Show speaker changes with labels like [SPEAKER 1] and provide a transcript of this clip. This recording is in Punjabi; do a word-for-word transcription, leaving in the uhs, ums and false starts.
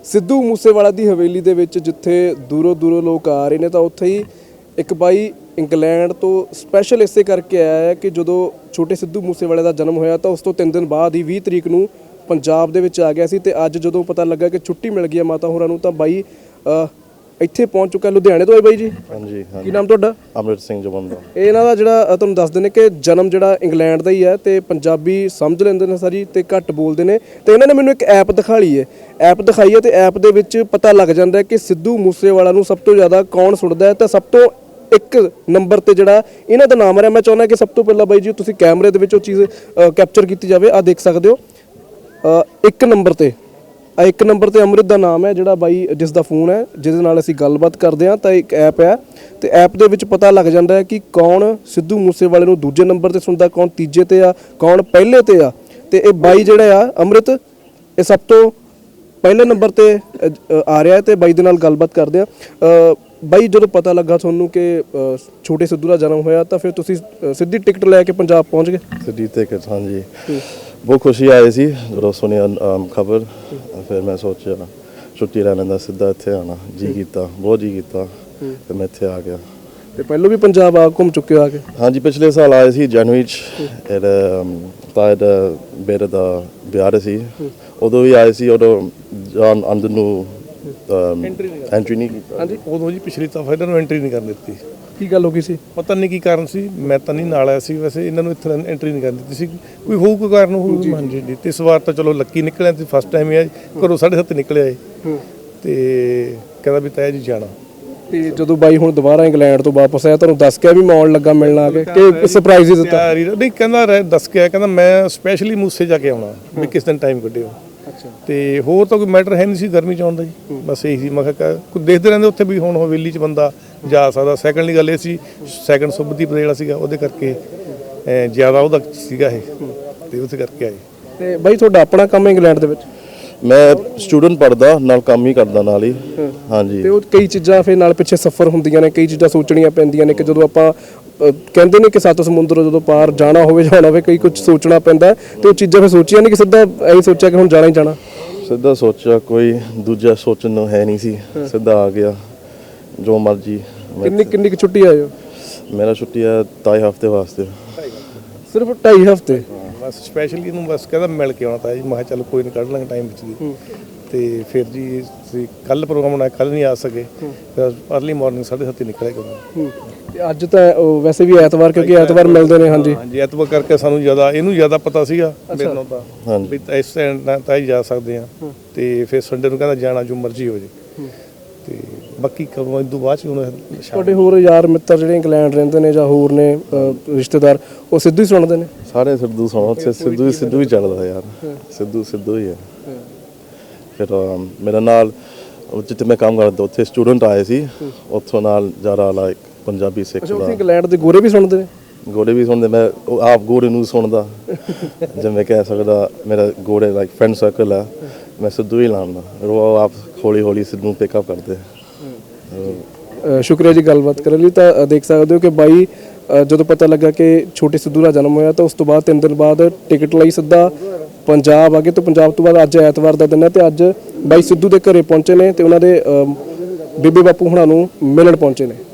[SPEAKER 1] ਸਿੱਧੂ ਮੂਸੇਵਾਲਾ ਦੀ ਹਵੇਲੀ ਦੇ ਵਿੱਚ ਜਿੱਥੇ ਦੂਰੋਂ ਦੂਰੋਂ ਲੋਕ ਆ ਰਹੇ ਨੇ ਤਾਂ ਉੱਥੇ ਹੀ ਇੱਕ ਬਾਈ ਇੰਗਲੈਂਡ ਤੋਂ ਸਪੈਸ਼ਲ ਇਸੇ ਕਰਕੇ ਆਇਆ ਹੈ ਕਿ ਜਦੋਂ ਛੋਟੇ ਸਿੱਧੂ ਮੂਸੇਵਾਲੇ ਦਾ ਜਨਮ ਹੋਇਆ ਤਾਂ ਉਸ ਤੋਂ ਤਿੰਨ ਦਿਨ ਬਾਅਦ ਹੀ ਵੀਹ ਤਰੀਕ ਨੂੰ ਪੰਜਾਬ ਦੇ ਵਿੱਚ ਆ ਗਿਆ ਸੀ ਤੇ ਅੱਜ ਜਦੋਂ ਪਤਾ ਲੱਗਾ ਕਿ ਛੁੱਟੀ ਮਿਲ ਗਈ ਹੈ ਮਾਤਾ ਹੋਰਾਂ ਨੂੰ ਤਾਂ ਬਾਈ ਇੱਥੇ ਪਹੁੰਚ ਚੁੱਕਾ ਲੁਧਿਆਣੇ ਤੋਂ ਹੈ ਬਾਈ ਜੀ। ਹਾਂਜੀ ਹਾਂਜੀ। ਕੀ ਨਾਮ ਤੁਹਾਡਾ? ਅਮਰਿਤ ਸਿੰਘ ਜਵੰਦਾ। ਇਹ ਇਹਨਾਂ ਦਾ ਜਿਹੜਾ ਤੁਹਾਨੂੰ ਦੱਸਦੇ ਨੇ ਕਿ ਜਨਮ ਜਿਹੜਾ ਇੰਗਲੈਂਡ ਦਾ ਹੀ ਹੈ ਤੇ ਪੰਜਾਬੀ ਸਮਝ ਲੈਂਦੇ ਨੇ ਸਾਰੀ ਤੇ ਘੱਟ ਬੋਲਦੇ ਨੇ ਤੇ ਇਹਨਾਂ ਨੇ ਮੈਨੂੰ ਇੱਕ ਐਪ ਦਿਖਾ ਲਈ ਹੈ ਐਪ ਦਿਖਾਈ ਹੈ ਤੇ ਐਪ ਦੇ ਵਿੱਚ ਪਤਾ ਲੱਗ ਜਾਂਦਾ ਹੈ ਕਿ ਸਿੱਧੂ ਮੂਸੇਵਾਲਾ ਨੂੰ ਸਭ ਤੋਂ ਜ਼ਿਆਦਾ ਕੌਣ ਸੁਣਦਾ ਹੈ ਤਾਂ ਸਭ ਤੋਂ ਇੱਕ ਨੰਬਰ ਤੇ ਜਿਹੜਾ ਇਹਨਾਂ ਦਾ ਨਾਮ ਆ ਰਿਹਾ। ਮੈਂ ਚਾਹੁੰਦਾ ਕਿ ਸਭ ਤੋਂ ਪਹਿਲਾਂ ਬਾਈ ਜੀ ਤੁਸੀਂ ਕੈਮਰੇ ਦੇ ਵਿੱਚ ਉਹ ਚੀਜ਼ ਕੈਪਚਰ ਕੀਤੀ ਜਾਵੇ। ਆ ਦੇਖ ਸਕਦੇ ਹੋ ਇੱਕ ਨੰਬਰ ਤੇ ਆ ਇੱਕ ਨੰਬਰ ਤੇ ਅੰਮ੍ਰਿਤ ਦਾ ਨਾਮ ਹੈ ਜਿਹੜਾ ਬਾਈ ਜਿਸ ਦਾ ਫੋਨ ਹੈ ਜਿਹਦੇ ਨਾਲ ਅਸੀਂ ਗੱਲਬਾਤ ਕਰਦੇ ਹਾਂ ਤਾਂ ਇੱਕ ਐਪ ਹੈ ਤੇ ਐਪ ਦੇ ਵਿੱਚ ਪਤਾ ਲੱਗ ਜਾਂਦਾ ਹੈ ਕਿ ਕੌਣ ਸਿੱਧੂ ਮੂਸੇਵਾਲੇ ਨੂੰ ਦੂਜੇ ਨੰਬਰ ਤੇ ਸੁਣਦਾ, ਕੌਣ ਤੀਜੇ ਤੇ ਆ, ਕੌਣ ਪਹਿਲੇ ਤੇ ਆ। ਤੇ ਇਹ ਬਾਈ ਜਿਹੜਾ ਆ ਅੰਮ੍ਰਿਤ ਇਹ ਸਭ ਤੋਂ ਪਹਿਲੇ ਨੰਬਰ ਤੇ ਆ ਰਿਹਾ ਤੇ ਬਾਈ ਦੇ ਨਾਲ ਗੱਲਬਾਤ ਕਰਦੇ ਆ। ਬਾਈ ਜਦੋਂ ਪਤਾ ਲੱਗਾ ਤੁਹਾਨੂੰ ਕਿ ਛੋਟੇ ਸਿੱਧੂ ਦਾ ਜਨਮ ਹੋਇਆ ਤਾਂ ਫਿਰ ਤੁਸੀਂ ਸਿੱਧੀ ਟਿਕਟ ਲੈ ਕੇ ਪੰਜਾਬ ਪਹੁੰਚ ਗਏ? ਸਿੱਧੀ ਟਿਕਟ, ਹਾਂਜੀ। ਬਹੁਤ ਖੁਸ਼ੀ ਆਈ ਸੀ ਜਦੋਂ ਸੁਣਿਆ ਖਬਰ। ਫਿਰ ਮੈਂ ਸੋਚਿਆ ਛੁੱਟੀ ਲੈ ਲੈਂਦਾ, ਸਿੱਧਾ ਇੱਥੇ ਆਉਣਾ ਜੀ ਕੀਤਾ, ਬਹੁਤ ਜੀ ਕੀਤਾ ਤੇ ਮੈਂ ਇੱਥੇ ਆ ਗਿਆ। ਤੇ ਪਹਿਲਾਂ ਵੀ ਪੰਜਾਬ ਆ ਘੁੰਮ ਚੁੱਕੇ ਹੋ ਆ ਕੇ? ਹਾਂਜੀ, ਪਿਛਲੇ ਸਾਲ ਆਏ ਸੀ ਜਨਵਰੀ 'ਚ। ਇਹਦਾ ਤਾਏ ਦਾ ਬੇਟੇ ਦਾ ਵਿਆਹ ਸੀ, ਉਦੋਂ ਵੀ ਆਏ ਸੀ। ਉਦੋਂ ਜਾਣ ਅੰਦਰ ਨੂੰ ਐਂਟਰੀ ਨਹੀਂ ਕੀਤੀ। ਹਾਂਜੀ,
[SPEAKER 2] ਉਦੋਂ ਜੀ ਪਿਛਲੀ ਦਫਾ ਇਹਨਾਂ ਨੂੰ ਐਂਟਰੀ ਨਹੀਂ ਕਰਨ ਦਿੱਤੀ।
[SPEAKER 1] ਕੀ ਗੱਲ ਹੋ ਗਈ ਸੀ?
[SPEAKER 2] ਪਤਾ ਨਹੀਂ ਕੀ ਕਾਰਨ ਸੀ, ਮੈਂ ਤਾਂ ਨਹੀਂ ਨਾਲ ਆਇਆ ਸੀ। ਵੈਸੇ ਇਹਨਾਂ ਨੂੰ ਇੱਥੇ ਐਂਟਰੀ ਨਹੀਂ ਕਰਨ ਦਿੱਤੀ ਸੀ, ਕੋਈ ਹੋਊ ਕੋਈ ਕਾਰਨ ਹੋਊ। ਹਾਂਜੀ ਜੀ, ਤੇ ਇਸ ਵਾਰ ਤਾਂ ਚਲੋ ਲੱਕੀ ਨਿਕਲਿਆ ਤੇ ਫਸਟ ਟਾਈਮ ਹੀ ਆ ਘਰੋਂ ਸਾਢੇ ਸੱਤ ਨਿਕਲਿਆ ਤੇ ਕਹਿੰਦਾ ਵੀ ਤਾਇਆ ਜੀ ਜਾਣਾ।
[SPEAKER 1] ਤੇ ਜਦੋਂ ਬਾਈ ਹੁਣ ਦੁਬਾਰਾ ਇੰਗਲੈਂਡ ਤੋਂ ਵਾਪਸ ਆਇਆ ਤੁਹਾਨੂੰ ਦੱਸ ਕੇ ਵੀ ਮੈਂ ਆਉਣ ਲੱਗਾ ਮਿਲਣ ਆ ਕੇ ਕਿ ਸਰਪ੍ਰਾਈਜ਼ ਹੀ ਦਿੱਤਾ?
[SPEAKER 2] ਨਹੀਂ, ਕਹਿੰਦਾ ਦੱਸ ਕੇ ਆਇਆ, ਕਹਿੰਦਾ ਮੈਂ ਸਪੈਸ਼ਲੀ ਮੂਸੇ ਜਾ ਕੇ ਆਉਣਾ ਵੀ ਕਿਸ ਦਿਨ ਟਾਈਮ ਕੱਢਿਓ। ਤੇ ਹੋਰ ਤਾਂ ਕੋਈ ਮੈਟਰ ਹੈ ਨਹੀਂ ਸੀ ਗਰਮੀ 'ਚ ਆਉਣ ਦਾ ਜੀ, ਬਸ ਇਹੀ ਸੀ। ਮੈਂ ਕਿਹਾ ਕੋਈ ਦੇਖਦੇ ਰਹਿੰਦੇ ਉੱਥੇ ਵੀ ਹੁਣ ਹਵੇਲੀ 'ਚ ਬੰਦਾ ਜਾ ਸਕਦਾ। ਸੈਕੰਡਲੀ ਗੱਲ ਇਹ ਸੀ, ਸੈਕੰਡ ਸੁਭਦੀਪ ਜਿਹੜਾ ਸੀਗਾ ਉਹਦੇ ਕਰਕੇ ਜ਼ਿਆਦਾ ਉਹਦਾ ਸੀਗਾ ਇਹ ਤੇ ਉਸ ਕਰਕੇ ਆਏ।
[SPEAKER 1] ਤੇ ਬਾਈ ਤੁਹਾਡਾ ਆਪਣਾ ਕੰਮ ਇੰਗਲੈਂਡ ਦੇ ਵਿੱਚ?
[SPEAKER 3] ਮੈਂ ਸਟੂਡੈਂਟ ਪੜ੍ਹਦਾ, ਨਾਲ ਕੰਮ ਹੀ ਕਰਦਾ ਨਾਲ ਹੀ। ਹਾਂਜੀ।
[SPEAKER 1] ਤੇ ਉਹ ਕਈ ਚੀਜ਼ਾਂ ਫਿਰ ਨਾਲ ਪਿੱਛੇ ਸਫ਼ਰ ਹੁੰਦੀਆਂ ਨੇ, ਕਈ ਚੀਜ਼ਾਂ ਸੋਚਣੀਆਂ ਪੈਂਦੀਆਂ ਨੇ ਕਿ ਜਦੋਂ ਆਪਾਂ ਕਹਿੰਦੇ ਨੇ ਕਿ ਸੱਤ ਸਮੁੰਦਰ ਜਦੋਂ ਪਾਰ ਜਾਣਾ ਹੋਵੇ ਜਾਣਾ ਹੋਵੇ ਕਈ ਕੁਝ ਸੋਚਣਾ ਪੈਂਦਾ ਤੇ ਉਹ ਚੀਜ਼ਾਂ ਫਿਰ ਸੋਚੀਆਂ ਨਹੀਂ ਕਿ ਸਿੱਧਾ ਐਂ ਸੋਚਿਆ ਕਿ ਹੁਣ ਜਾਣਾ ਹੀ ਜਾਣਾ?
[SPEAKER 3] ਸਿੱਧਾ ਸੋਚਿਆ, ਕੋਈ ਦੂਜਾ ਸੋਚਣ ਨੂੰ ਹੈ ਨਹੀਂ ਸੀ, ਸਿੱਧਾ ਆ ਗਿਆ ਜੋ ਮਰਜੀ।
[SPEAKER 1] ਕਿੰਨੀ ਕਿੰਨੀ ਕੁ ਛੁੱਟੀ ਆਇਓ?
[SPEAKER 3] ਮੇਰਾ ਛੁੱਟੀ ਹੈ ਢਾਈ ਹਫ਼ਤੇ ਵਾਸਤੇ।
[SPEAKER 1] ਸਿਰਫ ਢਾਈ ਹਫ਼ਤੇ?
[SPEAKER 2] ਬਸ ਸਪੈਸ਼ਲੀ ਇਹਨੂੰ ਬਸ ਕਹਿੰਦਾ ਮਿਲ ਕੇ ਆਉਣਾ ਤਾਂ ਜੀ। ਮੈਂ ਕਿਹਾ ਚੱਲ ਕੋਈ ਨਹੀਂ ਕੱਢ ਲਾਂਗੇ ਟਾਈਮ ਵਿੱਚ ਦੀ। ਤੇ ਫਿਰ ਜੀ ਅਸੀਂ ਕੱਲ੍ਹ ਪ੍ਰੋਗਰਾਮ ਬਣਾਇਆ, ਕੱਲ੍ਹ ਨਹੀਂ ਆ ਸਕੇ, ਫਿਰ ਅਰਲੀ ਮਾਰਨਿੰਗ ਸਾਢੇ ਸੱਤ ਨਿਕਲਿਆ ਕਰੂੰ।
[SPEAKER 1] ਤੇ ਅੱਜ ਤਾਂ ਵੈਸੇ ਵੀ ਐਤਵਾਰ ਕਿਉਂਕਿ ਐਤਵਾਰ ਮਿਲਦੇ ਨੇ। ਹਾਂਜੀ
[SPEAKER 2] ਹਾਂਜੀ, ਐਤਵਾਰ ਕਰਕੇ ਸਾਨੂੰ ਜ਼ਿਆਦਾ ਇਹਨੂੰ ਜ਼ਿਆਦਾ ਪਤਾ ਸੀਗਾ ਮੈਨੂੰ ਤਾਂ ਵੀ ਇਸ ਟਾਈਮ ਤਾਂ ਹੀ ਜਾ ਸਕਦੇ ਹਾਂ। ਤੇ ਫਿਰ ਸੰਡੇ ਨੂੰ ਕਹਿੰਦਾ ਜਾਣਾ ਜੋ ਮਰਜ਼ੀ ਹੋ ਜੇ। ਤੇ ਬਾਕੀ ਕਦੋਂ ਇਸ ਤੋਂ ਬਾਅਦ 'ਚ ਹੁਣ
[SPEAKER 1] ਤੁਹਾਡੇ ਹੋਰ ਯਾਰ ਮਿੱਤਰ ਜਿਹੜੇ ਇੰਗਲੈਂਡ ਰਹਿੰਦੇ ਨੇ ਜਾਂ ਹੋਰ ਨੇ ਰਿਸ਼ਤੇਦਾਰ ਉਹ ਸਿੱਧੂ ਹੀ ਸੁਣਦੇ ਨੇ?
[SPEAKER 3] ਸਾਰੇ ਸਿੱਧੂ ਸੁਣੋ, ਉੱਥੇ ਸਿੱਧੂ ਹੀ ਸਿੱਧੂ ਹੀ ਚੱਲਦਾ ਯਾਰ, ਸਿੱਧੂ ਸਿੱਧੂ ਹੀ ਹੈ। ਫਿਰ ਮੇਰੇ ਨਾਲ ਜਿੱਥੇ ਮੈਂ ਕੰਮ ਕਰਦਾ ਉੱਥੇ ਸਟੂਡੈਂਟ ਆਏ ਸੀ, ਉੱਥੋਂ ਨਾਲ ਜ਼ਿਆਦਾ ਲਾਈਕ ਪੰਜਾਬੀ ਸਿੱਖ ਦਾ।
[SPEAKER 1] ਇੰਗਲੈਂਡ ਦੇ ਗੋਰੇ ਵੀ ਸੁਣਦੇ ਨੇ?
[SPEAKER 3] ਗੋਰੇ ਵੀ ਸੁਣਦੇ, ਮੈਂ ਆਪ ਗੋਰੇ ਨੂੰ ਸੁਣਦਾ ਜਿਵੇਂ ਕਹਿ ਸਕਦਾ। ਮੇਰਾ ਗੋਰੇ ਲਾਈਕ ਫਰੈਂਡ ਸਰਕਲ ਹੈ, ਮੈਂ ਸਿੱਧੂ ਹੀ ਲਾਉਂਦਾ। ਉਹ ਆਪ ਹੌਲੀ ਹੌਲੀ ਸਿੱਧੂ ਨੂੰ ਪਿਕਅਪ ਕਰਦੇ।
[SPEAKER 1] ਸ਼ੁਕਰੀਆ ਜੀ ਗੱਲਬਾਤ ਕਰਨ ਲਈ। ਤਾਂ ਦੇਖ ਸਕਦੇ ਹੋ ਕਿ ਬਾਈ ਜਦੋਂ ਪਤਾ ਲੱਗਾ ਕਿ ਛੋਟੇ ਸਿੱਧੂ ਦਾ ਜਨਮ ਹੋਇਆ ਤਾਂ ਉਸ ਤੋਂ ਬਾਅਦ ਤਿੰਨ ਦਿਨ ਬਾਅਦ ਟਿਕਟ ਲਈ ਸਿੱਧਾ ਪੰਜਾਬ ਆ ਗਏ ਤੇ ਪੰਜਾਬ ਤੋਂ ਬਾਅਦ ਅੱਜ ਐਤਵਾਰ ਦਾ ਦਿਨ ਹੈ ਤੇ ਅੱਜ ਬਾਈ ਸਿੱਧੂ ਦੇ ਘਰੇ ਪਹੁੰਚੇ ਨੇ ਤੇ ਉਹਨਾਂ ਦੇ ਬੀਬੀ ਬਾਪੂ ਹੁਣਾਂ ਨੂੰ ਮਿਲਣ ਪਹੁੰਚੇ ਨੇ।